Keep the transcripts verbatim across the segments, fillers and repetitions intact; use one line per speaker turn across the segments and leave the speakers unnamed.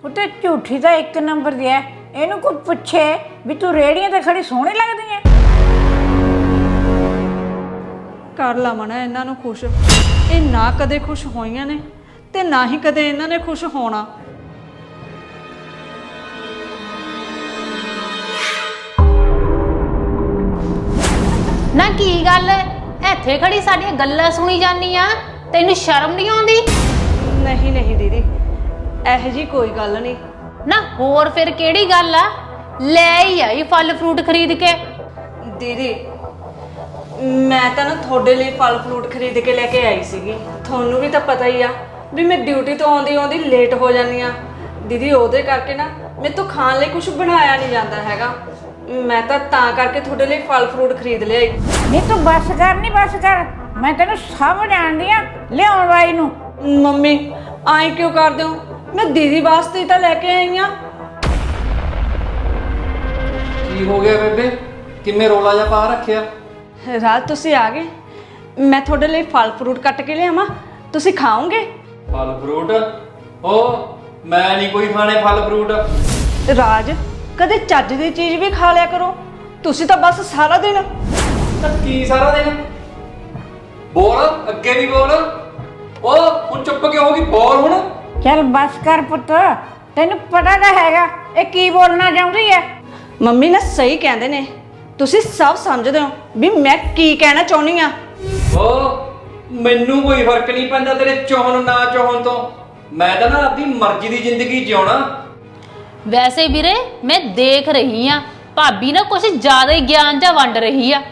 पुत्त झूठी तो एक नंबर दी है। इनू कोई पुछे भी तू रेहड़ियां ते खड़ी सोहनी लगदी है।
कर लवण इन्हां नूं खुश। ये ना कदे खुश होईयां ने ते ना ही कदे इन्हां ने खुश होना।
ना की गल इत्थे खड़ी साडियां गल्लां सुनी जानी आ, तैनूं शर्म नहीं आउंदी?
नहीं नहीं दीदी, इहो जी कोई गल नहीं।
ना होर फिर किहड़ी गल आ? ले ही आई फल फ्रूट खरीद के।
दीदी मैं तो ना थोड़े लिए फल फ्रूट खरीद के लेके आई सीगी। थोनू भी तो पता ही आ भी मैं ड्यूटी तो आउंदी आउंदी लेट हो जानी आ। दीदी ओहदे करके ना मेरे तो खाण ਲਈ कुछ बनाया नहीं जाता हैगा। मैं तो तां करके थोड़े लिए फल फ्रूट खरीद लिया।
नहीं तू बस कर, नहीं बस कर, मैं तेनू सब जानदी आ लियाउण वाली नूं।
मम्मी आई क्यों कर दो? मैं दीदी वास्ते ही तो लेके आई हाँ।
की हो गया बेबे, किवें रोला जा पा रखिया?
रात तुसी आ गए, मैं थोड़े लिए फल फ्रूट कट के लियावां, तुसी खाओगे?
फल फ्रूट? ओ मैं नहीं कोई खाने फल फ्रूट।
राज कदे चज दी चीज़ भी खा लिया करो, तुसी तो बस सारा दिन।
की सारा दिन बोल, अगे भी बोल। ओ हुण चुप क्यों होगी? बोल हुण।
चल बस कर पुत्त, तेनू पता तो हैगा ये की बोलना चाहुंदी है।
मम्मी ने सही कहंदे ने, तुसी सब समझदे हो भी मैं की कहना चाहुंदी आ।
ओ मैनू कोई फर्क नहीं पैंदा तेरे चाहण ना चाहण तो। मैं तो ना अपनी मर्जी की जिंदगी जिउणा।
वैसे वीरे मैं देख रही हाँ भाभी ना कुछ ज्यादा ही ज्ञान जा वंड रही आ।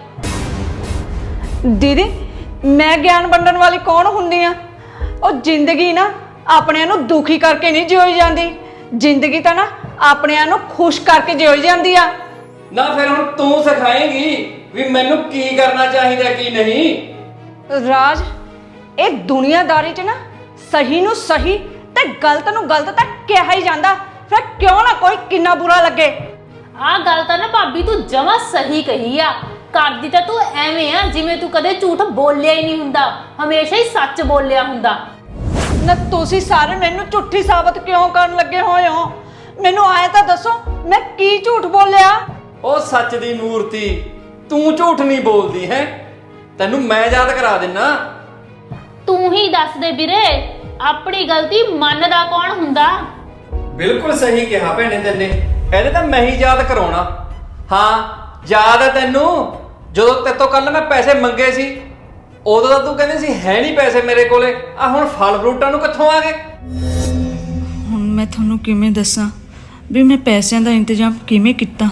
दीदी मैं ज्ञान वंडन वाली कौन हुंदी आ? और जिंदगी ना अपने नूं दुखी करके नहीं जियोई जाती, जिंदगी तो ना अपने नूं खुश करके जियोई जाती आ।
ना फिर हुण तू सिखाएगी भी मैनू की करना चाहिए की नहीं।
राज ये दुनियादारी च ना सही नूं सही ते गलत नूं गलत तक कहा ही जांदा, फिर क्यों ना कोई किन्ना बुरा लगे।
आ गल तां ना भाभी तू जमा सही कही आ। करदी तां तू एवें आ जिवें तू कदे झूठ बोलिया ही नहीं हुंदा, हमेशा ही सच बोलिया हुंदा।
ना तुसी सारे मैनू झूठी साबित क्यों करन लगे होए हो? मैनू आए तां दसो मैं की झूठ बोलिया?
ओ सच दी मूर्ति, तू झूठ नहीं बोलदी है, तैनू मैं याद करा दिना।
तू ही दस दे वीरे अपनी गलती मनदा कौन हुंदा?
बिल्कुल सही कहा भैने तेने, ਇਹਦੇ ਤਾਂ मैं ही याद कराउणा। हाँ याद है तैनू ਜਦੋਂ ਤੇਰੇ ਤੋਂ ਕੱਲ ਮੈਂ ਪੈਸੇ ਮੰਗੇ ਸੀ, ਉਦੋਂ ਤਾਂ ਤੂੰ ਕਹਿੰਦੀ ਸੀ ਹੈ ਨਹੀਂ ਪੈਸੇ ਮੇਰੇ ਕੋਲੇ, ਆ ਹੁਣ ਫਲ ਫਰੂਟਾਂ ਨੂੰ ਕਿੱਥੋਂ ਆ ਗਏ?
ਹੁਣ ਮੈਂ ਤੁਹਾਨੂੰ ਕਿਵੇਂ ਦੱਸਾਂ ਵੀ ਮੈਂ ਪੈਸਿਆਂ ਦਾ ਇੰਤਜ਼ਾਮ ਕਿਵੇਂ ਕੀਤਾ?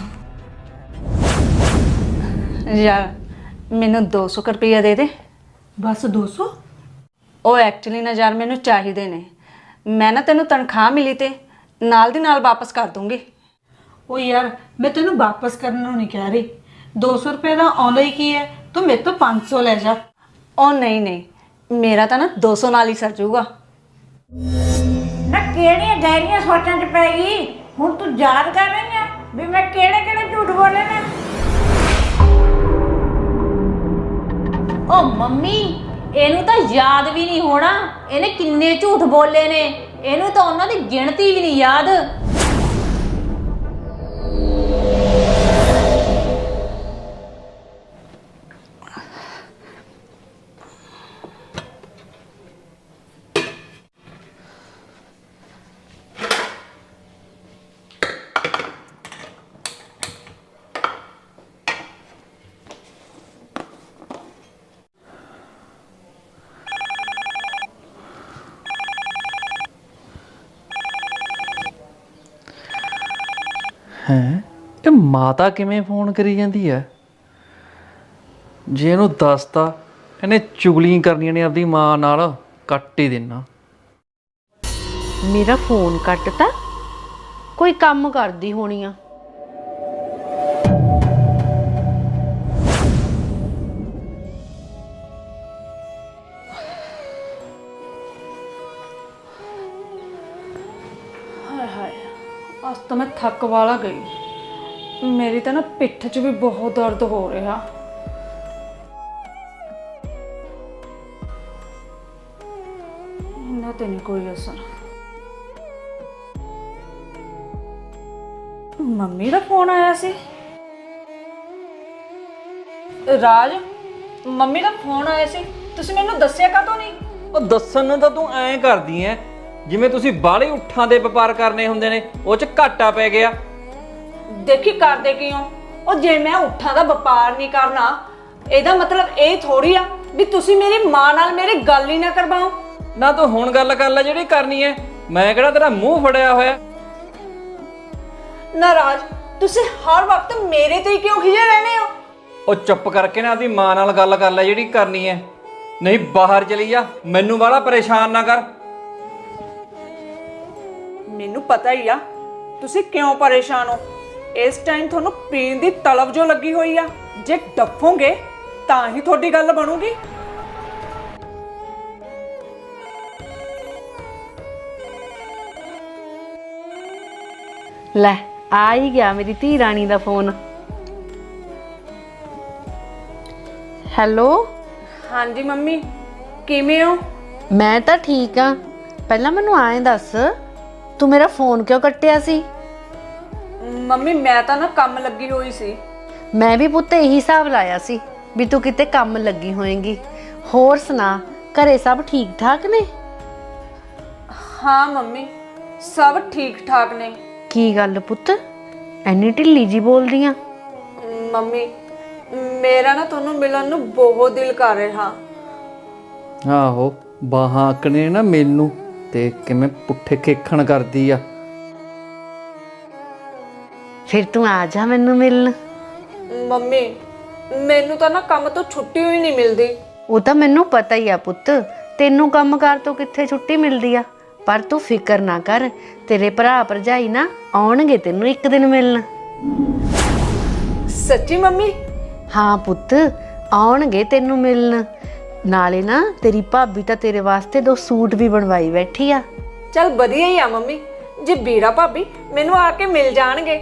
ਯਾਰ ਮੈਨੂੰ ਦੋ ਸੌ ਰੁਪਇਆ ਦੇ ਦੇ।
बस दो सौ?
ਉਹ ਐਕਚੁਅਲੀ ਨਾ ਯਾਰ ਮੈਨੂੰ ਚਾਹੀਦੇ ਨੇ। ਮੈਂ ਨਾ ਤੈਨੂੰ ਤਨਖਾਹ ਮਿਲੀ ਤੇ ਨਾਲ ਦੀ ਨਾਲ ਵਾਪਸ ਕਰ ਦੂੰਗੀ।
ओ यार मैं तेनू वापस करने नूं नहीं कह रही, दो सौ रुपए का आउंदा ही की है, तू मेरे तो पाँच सौ ले जा।
ਉਹ ਨਹੀਂ ਨਹੀਂ ਮੇਰਾ ਤਾਂ ਨਾ ਦੋ ਸੌ ਨਾਲ ਹੀ ਸਰ ਜਾਊਗਾ।
ना केड़ियां गहरियां सोचां च पै गई, हुण तू याद कर रही है भी मैं केड़े केड़े झूठ बोले ने।
ओ मम्मी ਇਹਨੂੰ ਤਾਂ ਯਾਦ ਵੀ ਨਹੀਂ ਹੋਣਾ ਇਹਨੇ ਕਿੰਨੇ ਝੂਠ ਬੋਲੇ ਨੇ, ਇਹਨੂੰ ਤਾਂ ਉਹਨਾਂ ਦੀ ਗਿਣਤੀ ਵੀ ਨਹੀਂ ਯਾਦ।
ਹੈ ਇਹ ਮਾਤਾ ਕਿਵੇਂ ਫੋਨ ਕਰੀ ਜਾਂਦੀ ਹੈ? ਜੇ ਇਹਨੂੰ ਦੱਸਤਾ ਇਹਨੇ ਚੁਗਲੀਆਂ ਕਰਨੀਆਂ ਨੇ ਆਪਦੀ ਮਾਂ ਨਾਲ, ਕੱਟ ਹੀ ਦੇਣਾ।
मेरा फोन कटता, कोई काम करदी होनी आ।
ਹਾਏ ਹਾਏ ਅੱਜ ਤਾਂ ਮੈਂ ਥੱਕ ਵਾਲਾ ਗਈ। ਮੇਰੀ ਤਾਂ ਨਾ ਪਿੱਠ 'ਚ ਵੀ ਬਹੁਤ ਦਰਦ ਹੋ ਰਿਹਾ। ਇਹਨਾਂ ਤੇ ਨਹੀਂ ਕੋਈ ਅਸਰ। ਮੰਮੀ ਦਾ ਫੋਨ ਆਇਆ ਸੀ। ਰਾਜ, ਮੰਮੀ ਦਾ ਫੋਨ ਆਇਆ ਸੀ, ਤੁਸੀਂ ਮੈਨੂੰ ਦੱਸਿਆ ਕਾਹਤੋਂ ਨਹੀਂ?
ਉਹ ਦੱਸਣ ਨੂੰ ਤਾਂ ਤੂੰ ਐਂ ਕਰਦੀ ਐ ਜਿਵੇਂ ਤੁਸੀਂ ਬਾਹਲੇ ਉੱਠਾਂ ਦੇ ਵਪਾਰ ਕਰਨੇ ਹੁੰਦੇ ਨੇ, ਉਹ 'ਚ ਘਾਟਾ ਪੈ ਗਿਆ।
ਦੇਖੀ ਕਰਦੇ ਕਿਉਂ? ਉਹ ਜੇ ਮੈਂ ਉੱਠਾਂ ਦਾ ਵਪਾਰ ਨਹੀਂ ਕਰਨਾ, ਇਹਦਾ ਮਤਲਬ ਇਹ ਥੋੜੀ ਆ ਵੀ ਤੁਸੀਂ ਮੇਰੀ ਮਾਂ ਨਾਲ ਮੇਰੀ ਗੱਲ ਹੀ ਨਾ ਕਰਵਾਓ।
ਨਾ ਤੂੰ ਹੁਣ ਗੱਲ ਕਰ ਲੈ ਜਿਹੜੀ ਕਰਨੀ ਐ, ਮੈਂ ਕਿਹੜਾ ਤੇਰਾ ਮੂੰਹ ਫੜਿਆ ਹੋਇਆ।
ਨਾਰਾਜ਼, ਤੁਸੀਂ ਹਰ ਵਕਤ ਮੇਰੇ ਤੇ ਹੀ ਕਿਉਂ ਖਿਜੇ ਰਹਿੰਦੇ ਹੋ?
ਉਹ ਚੁੱਪ ਕਰਕੇ ਨਾ ਆਪਦੀ ਮਾਂ ਨਾਲ ਗੱਲ ਕਰ ਲੈ ਜਿਹੜੀ ਕਰਨੀ ਐ, ਨਹੀਂ ਬਾਹਰ ਚਲੀ ਜਾ, ਮੈਨੂੰ ਬਾਹਲਾ ਪਰੇਸ਼ਾਨ ਨਾ ਕਰ।
ਮੈਨੂੰ ਪਤਾ ਹੀ ਆ ਤੁਸੀਂ ਕਿਉਂ ਪਰੇਸ਼ਾਨ ਹੋ। ਇਸ ਟਾਈਮ ਤੁਹਾਨੂੰ ਪੀਣ ਦੀ ਤਲਬ ਜੋ ਲੱਗੀ ਹੋਈ ਆ, ਜੇ ਡੱਫੋਗੇ ਤਾਂ ਹੀ ਤੁਹਾਡੀ ਗੱਲ ਬਣੂਗੀ।
ਲੈ ਆ ਹੀ ਗਿਆ ਮੇਰੀ ਧੀ ਰਾਣੀ ਦਾ ਫੋਨ। ਹੈਲੋ।
ਹਾਂਜੀ ਮੰਮੀ, ਕਿਵੇਂ ਹੋ?
ਮੈਂ ਤਾਂ ਠੀਕ ਆ। ਪਹਿਲਾਂ ਮੈਨੂੰ ਐਂ ਦੱਸ, ਤੂੰ ਮੇਰਾ ਫੋਨ ਕਿਉਂ ਕੱਟਿਆ ਸੀ?
ਮੰਮੀ ਮੈਂ ਤਾਂ ਨਾ ਕੰਮ ਲੱਗੀ ਹੋਈ ਸੀ।
ਮੈਂ ਵੀ ਪੁੱਤ ਇਹੀ ਹਿਸਾਬ ਲਾਇਆ ਸੀ ਵੀ ਤੂੰ ਕਿਤੇ ਕੰਮ ਲੱਗੀ ਹੋਏਂਗੀ। ਹੋਰ ਸੁਣਾ, ਘਰੇ ਸਭ ਠੀਕ ਠਾਕ ਨੇ?
ਹਾਂ ਮੰਮੀ, ਸਭ ਠੀਕ ਠਾਕ ਨੇ।
ਕੀ ਗੱਲ ਪੁੱਤ, ਐਨੀ ਢਿੱਲੀ ਜੀ ਬੋਲਦੀ ਆ?
ਮੰਮੀ ਮੇਰਾ ਨਾ ਤੁਹਾਨੂੰ ਮਿਲਣ ਨੂੰ ਬਹੁਤ ਦਿਲ ਕਰ ਰਿਹਾ।
ਆਹੋ, ਬਾਹਾਂ ਆਕਣੇ ਨਾ ਮੈਨੂੰ ਤੇ ਕਿਵੇਂ ਪੁੱਠੇ ਖੇਖਣ ਕਰਦੀ ਆ।
ਫਿਰ ਤੂੰ ਆ ਜਾ ਮੈਨੂੰ ਮਿਲਣ।
ਮੰਮੀ ਮੈਨੂੰ ਤਾਂ ਨਾ ਕੰਮ ਤੋਂ ਛੁੱਟੀ ਹੋਈ ਨਹੀਂ ਮਿਲਦੀ।
ਉਹ ਤਾਂ ਮੈਨੂੰ ਪਤਾ ਹੀ ਆ ਪੁੱਤ, ਤੈਨੂੰ ਕੰਮਕਾਰ ਤੋਂ ਕਿੱਥੇ ਛੁੱਟੀ ਮਿਲਦੀ ਆ। ਪਰ ਤੂੰ ਫਿਕਰ ਨਾ ਕਰ, ਤੇਰੇ ਭਰਾ ਭਰਜਾਈ ਨਾ ਆਉਣਗੇ ਤੈਨੂੰ ਇੱਕ ਦਿਨ ਮਿਲਣ।
ਸੱਚੀ ਮੰਮੀ?
ਹਾਂ ਪੁੱਤ, ਆਉਣਗੇ ਤੈਨੂੰ ਮਿਲਣ। ਨਾਲੇ ਨਾ ਤੇਰੀ ਭਾਬੀ ਤਾਂ ਤੇਰੇ ਵਾਸਤੇ ਦੋ ਸੂਟ ਵੀ ਬਣਵਾਈ ਬੈਠੀ ਆ।
ਚੱਲ ਵਧੀਆ ਹੀ ਆ ਮੰਮੀ, ਜੇ ਵੀਰਾ ਭਾਬੀ ਮੈਨੂੰ ਆ ਕੇ ਮਿਲ ਜਾਣਗੇ।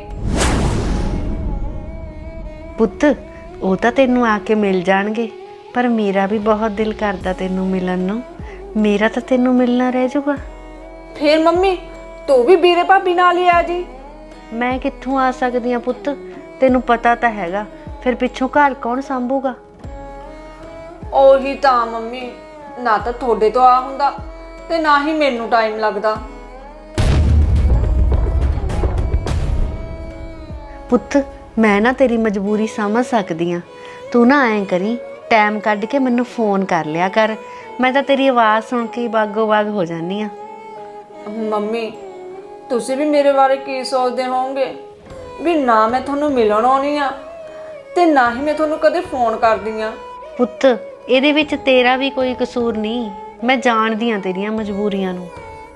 ਪੁੱਤ ਉਹ ਤਾਂ ਤੈਨੂੰ ਆ ਕੇ ਮਿਲ ਜਾਣਗੇ, ਪਰ ਮੇਰਾ ਵੀ ਬਹੁਤ ਦਿਲ ਕਰਦਾ ਤੈਨੂੰ ਮਿਲਣ ਨੂੰ। ਮੇਰਾ ਤਾਂ ਤੈਨੂੰ ਮਿਲਣਾ ਰਹਿ ਜਾਊਗਾ।
ਫਿਰ ਮੰਮੀ ਤੂੰ ਵੀ ਵੀਰੇ ਭਾਬੀ ਨਾਲ ਹੀ ਆ ਜੀ।
ਮੈਂ ਕਿੱਥੋਂ ਆ ਸਕਦੀ ਆ ਪੁੱਤ, ਤੈਨੂੰ ਪਤਾ ਤਾਂ ਹੈਗਾ, ਫਿਰ ਪਿੱਛੋਂ ਘਰ ਕੌਣ ਸੰਭੂਗਾ?
ਉਹੀ ਤਾਂ ਮੰਮੀ, ਨਾ ਤਾਂ ਤੁਹਾਡੇ ਤੋਂ ਆ ਹੁੰਦਾ ਤੇ ਨਾ ਹੀ ਮੈਨੂੰ ਟਾਈਮ ਲੱਗਦਾ।
ਪੁੱਤ ਮੈਂ ਨਾ ਤੇਰੀ ਮਜਬੂਰੀ ਸਮਝ ਸਕਦੀ ਆ। ਤੂੰ ਨਾ ਐਂ ਕਰੀ, ਟਾਈਮ ਕੱਢ ਕੇ ਮੈਨੂੰ ਫੋਨ ਕਰ ਲਿਆ ਕਰ। ਮੈਂ ਤਾਂ ਤੇਰੀ ਆਵਾਜ਼ ਸੁਣ ਕੇ ਹੀ ਬਾਗੋ ਬਾਗ ਹੋ ਜਾਂਦੀ ਆ।
ਮੰਮੀ ਤੁਸੀਂ ਵੀ ਮੇਰੇ ਬਾਰੇ ਕੀ ਸੋਚਦੇ ਹੋਵੋਗੇ ਵੀ ਨਾ ਮੈਂ ਤੁਹਾਨੂੰ ਮਿਲਣ ਆਉਣੀ ਆ ਤੇ ਨਾ ਹੀ ਮੈਂ ਤੁਹਾਨੂੰ ਕਦੇ ਫੋਨ ਕਰਦੀ ਆ।
ਪੁੱਤ ਇਹਦੇ ਵਿੱਚ ਤੇਰਾ ਵੀ ਕੋਈ ਕਸੂਰ ਨਹੀਂ, ਮੈਂ ਜਾਣਦੀ ਆ ਤੇਰੀਆਂ ਮਜਬੂਰੀਆਂ ਨੂੰ।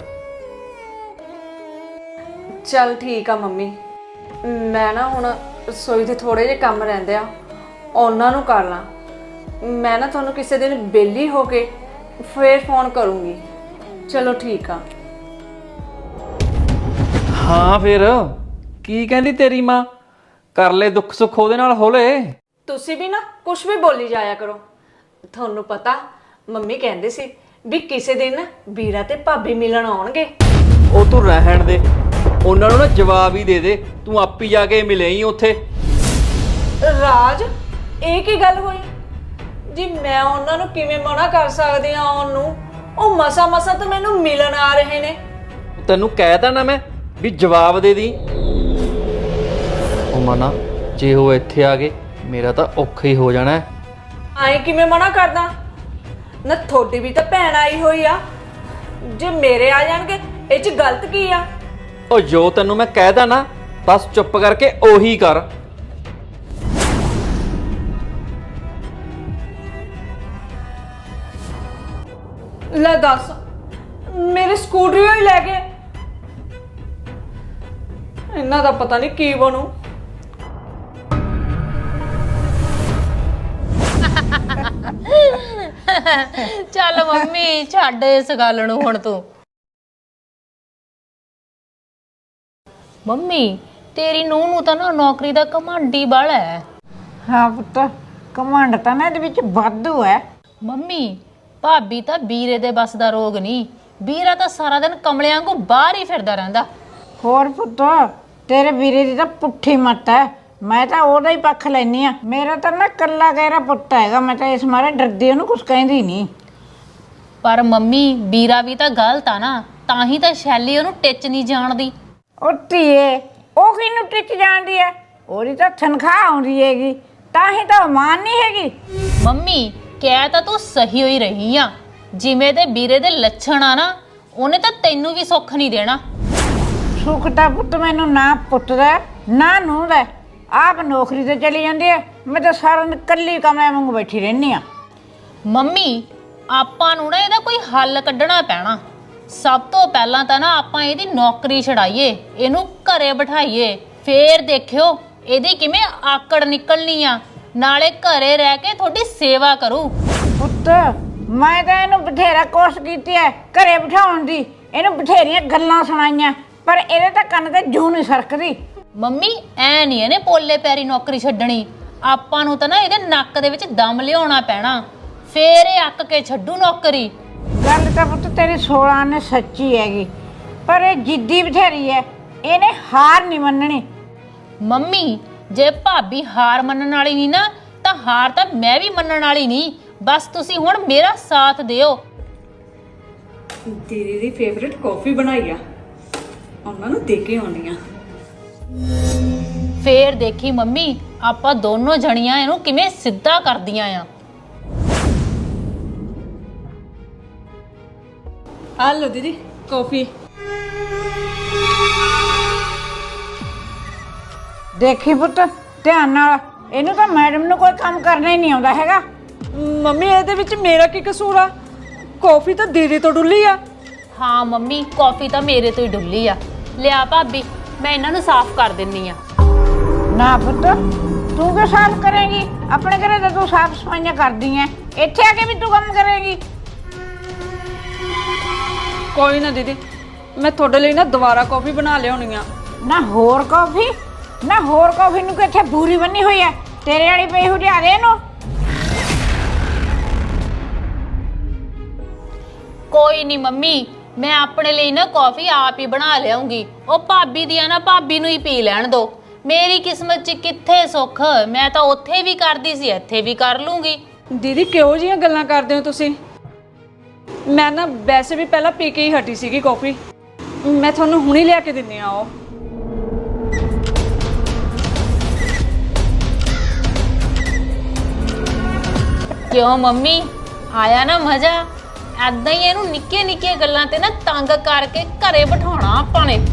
ਚੱਲ ਠੀਕ ਆ ਮੰਮੀ, ਮੈਂ ਨਾ ਹੁਣ ਰਸੋਈ ਦੇ ਥੋੜੇ ਜਿਹੇ ਕੰਮ ਰਹਿੰਦੇ ਆ, ਉਹਨਾਂ ਨੂੰ ਕਰ ਲਾਂ। ਮੈਂ ਨਾ ਤੁਹਾਨੂੰ ਕਿਸੇ ਦਿਨ ਵਿਹਲੀ ਹੋ ਕੇ ਫੇਰ ਫੋਨ ਕਰੂੰਗੀ। ਚਲੋ ਠੀਕ ਆ।
ਹਾਂ ਫਿਰ ਕੀ ਕਹਿੰਦੀ ਤੇਰੀ ਮਾਂ? ਕਰ ਲੈ ਦੁੱਖ ਸੁੱਖ ਉਹਦੇ ਨਾਲ ਹੋਲੇ।
ਤੁਸੀਂ ਵੀ ਨਾ ਕੁਝ ਵੀ ਬੋਲੀ ਜਾਇਆ ਕਰੋ। ਤੁਹਾਨੂੰ ਪਤਾ ਮੰਮੀ ਕਹਿੰਦੇ ਸੀ ਵੀ ਕਿਸੇ ਦਿਨ ਵੀਰਾ ਤੇ ਭਾਬੀ ਮਿਲਣ ਆਉਣਗੇ।
ਉਹ ਤੂੰ ਰਹਿਣ ਦੇ, ਉਹਨਾਂ ਨੂੰ ਨਾ ਜਵਾਬ ਹੀ ਦੇ ਦੇ, ਤੂੰ ਆਪੀ ਜਾ ਕੇ ਮਿਲੇ ਹੀ ਉੱਥੇ।
ਰਾਜ ਇਹ ਕੀ ਗੱਲ ਹੋਈ ਜੀ? ਮੈਂ ਉਹਨਾਂ ਨੂੰ ਕਿਵੇਂ ਮਨਾ ਕਰ ਸਕਦੀ ਆ ਆਉਣ ਨੂੰ? ਉਹ ਮਸਾ ਮਸਾ ਤਾਂ ਮੈਨੂੰ ਮਿਲਣ ਆ ਰਹੇ ਨੇ।
ਤੈਨੂੰ ਕਹਿਤਾ ਨਾ ਮੈਂ ਵੀ ਜਵਾਬ ਦੇ ਦੀ। ਉਹ ਮਨਾ, ਜੇ ਉਹ ਇੱਥੇ ਆ ਗਏ ਮੇਰਾ ਤਾਂ ਔਖਾ ਹੀ ਹੋ ਜਾਣਾ।
ਆਏ ਕਿਵੇਂ ਮਨਾ ਕਰਦਾ? ਨਾ ਤੁਹਾਡੀ ਵੀ ਤਾਂ ਭੈਣ ਆਈ ਹੋਈ ਆ, ਜੇ ਮੇਰੇ ਆ ਜਾਣਗੇ ਇਹ 'ਚ ਗਲਤ ਕੀ ਆ?
ਉਹ ਜੋ ਤੈਨੂੰ ਮੈਂ ਕਹਿਦਾ ਨਾ, ਬਸ ਚੁੱਪ ਕਰਕੇ ਉਹੀ ਕਰ।
ਲੈ ਦੱਸ, ਮੇਰੇ ਸਕੂਟਰੀ ਹੀ ਲੈ ਗਏ। ਇਹਨਾਂ ਦਾ ਪਤਾ ਨਹੀਂ ਕੀ ਬਣੂ।
ਚੱਲ ਮੰਮੀ ਛੱਡ ਇਸ ਗੱਲ ਨੂੰ ਹੁਣ ਤੂੰ। ਮੰਮੀ ਤੇਰੀ ਨੂੰਹ ਨੂੰ ਤਾਂ ਨਾ ਨੌਕਰੀ ਦਾ ਘਮੰਡੀ ਬਾਲਾ ਹੈ।
ਹਾਂ ਪੁੱਤ, ਕਮਾਂਡ ਤਾਂ ਨਾ ਇਹਦੇ ਵਿੱਚ ਵਾਧੂ ਹੈ।
ਮੰਮੀ ਭਾਬੀ ਤਾਂ ਵੀਰੇ ਦੇ ਬਸ ਦਾ ਰੋਗ ਨਹੀਂ, ਵੀਰਾ ਤਾਂ ਸਾਰਾ ਦਿਨ ਕਮਲਿਆਂ ਵਾਂਗੂ ਬਾਹਰ ਹੀ ਫਿਰਦਾ ਰਹਿੰਦਾ।
ਹੋਰ ਪੁੱਤ, ਤੇਰੇ ਵੀਰੇ ਦੀ ਤਾਂ ਪੁੱਠੀ ਮੱਤ ਹੈ। ਮੈਂ ਤਾਂ ਉਹਦਾ ਹੀ ਪੱਖ ਲੈਨੀ ਆ। ਮੇਰਾ ਤਾਂ ਨਾ ਕੱਲਾ ਗੈਰਾ ਪੁੱਤ ਹੈਗਾ, ਮੈਂ ਤਾਂ ਇਸ ਮਾਰੇ ਡਰਦੀ ਉਹਨੂੰ ਕੁਝ ਕਹਿੰਦੀ ਨਹੀਂ।
ਪਰ ਮੰਮੀ ਵੀਰਾ ਵੀ ਤਾਂ ਗਲਤ ਆ ਨਾ, ਤਾਂ ਹੀ ਤਾਂ ਸ਼ੈਲੀ ਉਹਨੂੰ ਟਿੱਚ ਨਹੀਂ ਜਾਣਦੀ।
ਉਹ ਧੀਏ, ਉਹ ਕਿਹਨੂੰ ਟਿੱਚ ਜਾਣਦੀ ਹੈ? ਉਹਦੀ ਤਾਂ ਤਨਖਾਹ ਆਉਂਦੀ ਹੈਗੀ, ਤਾਂ ਹੀ ਤਾਂ ਉਹ ਮਾਨ ਨਹੀਂ ਹੈਗੀ।
ਮੰਮੀ ਕਹਿ ਤਾਂ ਤੂੰ ਸਹੀ ਹੋਈ ਰਹੀ ਆ, ਜਿਵੇਂ ਤੇ ਵੀਰੇ ਦੇ ਲੱਛਣ ਆ ਨਾ, ਉਹਨੇ ਤਾਂ ਤੈਨੂੰ ਵੀ ਸੁੱਖ ਨਹੀਂ ਦੇਣਾ।
ਸੁੱਖ ਤਾਂ ਪੁੱਤ ਮੈਨੂੰ ਨਾ ਪੁੱਤ ਦਾ ਨਾ ਨੂੰਹ ਦਾ। ਆਪ ਨੌਕਰੀ ਤੇ ਚਲੀ ਜਾਂਦੀ ਹੈ, ਮੈਂ ਤਾਂ ਸਾਰਾ ਦਿਨ ਇਕੱਲੀ ਕਮਰੇ ਵਾਂਗੂ ਬੈਠੀ ਰਹਿੰਦੀ ਆ।
ਮੰਮੀ ਆਪਾਂ ਨੂੰ ਨਾ ਇਹਦਾ ਕੋਈ ਹੱਲ ਕੱਢਣਾ ਪੈਣਾ। ਸਭ ਤੋਂ ਪਹਿਲਾਂ ਤਾਂ ਨਾ ਆਪਾਂ ਇਹਦੀ ਨੌਕਰੀ ਛਡਾਈਏ, ਇਹਨੂੰ ਘਰੇ ਬਿਠਾਈਏ, ਫੇਰ ਦੇਖਿਓ ਇਹਦੀ ਕਿਵੇਂ ਆਕੜ ਨਿਕਲਣੀ ਆ। ਨਾਲੇ ਘਰੇ ਰਹਿ ਕੇ ਤੁਹਾਡੀ ਸੇਵਾ ਕਰੂ।
ਪੁੱਤ ਮੈਂ ਤਾਂ ਇਹਨੂੰ ਬਥੇਰਾ ਕੋਸ਼ਿਸ਼ ਕੀਤੀ ਹੈ ਘਰੇ ਬਿਠਾਉਣ ਦੀ, ਇਹਨੂੰ ਬਥੇਰੀਆਂ ਗੱਲਾਂ ਸੁਣਾਈਆਂ, ਪਰ ਇਹਦੇ ਤਾਂ ਕੰਨ ਤੇ ਜੂੰ ਨਹੀਂ ਸਰਕਦੀ।
ਮੰਮੀ ਐ ਨਹੀਂ ਇਹਨੇ ਪੋਲੇ ਪੈਰੀ ਨੌਕਰੀ ਛੱਡਣੀ। ਆਪਾਂ ਨੂੰ ਤਾਂ ਨਾ ਇਹਦੇ ਨੱਕ ਦੇ ਵਿੱਚ ਦਮ ਲਿਆਉਣਾ ਪੈਣਾ, ਫੇਰ ਇਹ ਅੱਕ ਕੇ ਛੱਡੂ ਨੌਕਰੀ।
ਗੱਲ ਤਾਂ ਪੁੱਤ ਤੇਰੀ ਸੋਲਾਂ ਨੇ ਸੱਚੀ ਹੈਗੀ, ਪਰ ਇਹ ਜਿੱਦੀ ਬਥੇਰੀ ਹੈ, ਇਹਨੇ ਹਾਰ ਨਹੀਂ ਮੰਨਣੀ।
ਮੰਮੀ ਜੇ ਭਾਬੀ ਹਾਰ ਮੰਨਣ ਵਾਲੀ ਨਹੀਂ ਨਾ, ਤਾਂ ਹਾਰ ਤਾਂ ਮੈਂ ਵੀ ਮੰਨਣ ਵਾਲੀ ਨਹੀਂ। ਬਸ ਤੁਸੀਂ ਹੁਣ ਮੇਰਾ ਸਾਥ ਦਿਓ।
ਦੀਦੀ ਦੀ ਫੇਵਰਿਟ ਕਾਫੀ ਬਣਾਈ ਆ, ਉਹਨਾਂ ਨੂੰ ਦੇ ਕੇ ਆਉਣੀ ਆ।
ਫੇਰ ਦੇਖੀ ਮੰਮੀ ਆਪਾਂ ਦੋਨੋਂ ਜਣੀਆਂ ਇਹਨੂੰ ਕਿਵੇਂ ਸਿੱਧਾ ਕਰਦੀਆਂ ਆ।
ਆ ਲਓ ਦੀਦੀ ਕਾਫੀ।
ਦੇਖੀ ਪੁੱਤ ਧਿਆਨ ਨਾਲ, ਇਹਨੂੰ ਤਾਂ ਮੈਡਮ ਨੂੰ ਕੋਈ ਕੰਮ ਕਰਨਾ ਹੀ ਨਹੀਂ ਆਉਂਦਾ ਹੈਗਾ।
ਮੰਮੀ ਇਹਦੇ ਵਿੱਚ ਮੇਰਾ ਕੀ ਕਸੂਰ ਆ? ਕਾਫੀ ਤਾਂ ਦੀਦੀ ਤੋਂ ਡੁੱਲੀ ਆ।
ਹਾਂ ਮੰਮੀ ਕਾਫੀ ਤਾਂ ਮੇਰੇ ਤੋਂ ਹੀ ਡੁੱਲੀ ਆ। ਲਿਆ ਭਾਬੀ ਮੈਂ ਇਹਨਾਂ ਨੂੰ ਸਾਫ਼ ਕਰ ਦਿੰਨੀ ਆ।
ਨਾ ਪੁੱਤ ਤੂੰ ਕਿਉਂ ਸਾਫ਼ ਕਰੇਂਗੀ? ਆਪਣੇ ਘਰੇ ਤਾਂ ਤੂੰ ਸਾਫ਼ ਸਫਾਈਆਂ ਕਰਦੀ ਐ, ਇੱਥੇ ਆ ਕੇ ਵੀ ਤੂੰ ਕੰਮ ਕਰੇਂਗੀ?
ਕੋਈ ਨਾ ਦੀਦੀ, ਮੈਂ ਤੁਹਾਡੇ ਲਈ ਨਾ ਦੁਬਾਰਾ ਕਾਫੀ ਬਣਾ ਲਿਆਉਣੀ ਆ।
ਨਾ ਹੋਰ ਕੌਫੀ, ਨਾ ਹੋਰ ਕੌਫੀ ਨੂੰ ਕਿੱਥੇ ਬੂਰੀ ਬੰਨੀ ਹੋਈ ਐ? ਤੇਰੇ ਵਾਲੀ ਪਈ ਹੋ ਲਿਆ ਦੇ ਇਹਨੂੰ।
ਕੋਈ ਨਹੀਂ ਮੰਮੀ, ਮੈਂ ਆਪਣੇ ਲਈ ਨਾ ਕਾਫੀ ਆਪ ਹੀ ਬਣਾ ਲਿਆਉਂਗੀ। ਉਹ ਭਾਬੀ ਦੀ ਆ ਨਾ, ਭਾਬੀ ਨੂੰ ਹੀ ਪੀ ਲੈਣ ਦੋ। ਮੇਰੀ ਕਿਸਮਤ 'ਚ ਕਿੱਥੇ ਸੁੱਖ, ਮੈਂ ਤਾਂ ਉੱਥੇ ਵੀ ਕਰਦੀ ਸੀ, ਇੱਥੇ ਵੀ ਕਰ ਲੂੰਗੀ।
ਦੀਦੀ ਕਿਹੋ ਜਿਹੀਆਂ ਗੱਲਾਂ ਕਰਦੇ ਹੋ ਤੁਸੀਂ? ਮੈਂ ਨਾ ਵੈਸੇ ਵੀ ਪਹਿਲਾਂ ਪੀ ਕੇ ਹੀ ਹਟੀ ਸੀਗੀ ਕਾਫੀ, ਮੈਂ ਤੁਹਾਨੂੰ ਹੁਣੇ ਲਿਆ ਕੇ ਦਿੰਨੀ ਆ। ਉਹ
ਕਿਉਂ ਮੰਮੀ ਆਇਆ ਨਾ ਮਜ਼ਾ? ਐਦਾਂ ਹੀ ਇਹਨੂੰ ਨਿੱਕੀਆਂ ਨਿੱਕੀਆਂ ਗੱਲਾਂ ਤੇ ਨਾ ਤੰਗ ਕਰਕੇ ਘਰੇ ਬਿਠਾਉਣਾ ਆਪਾਂ ਨੇ।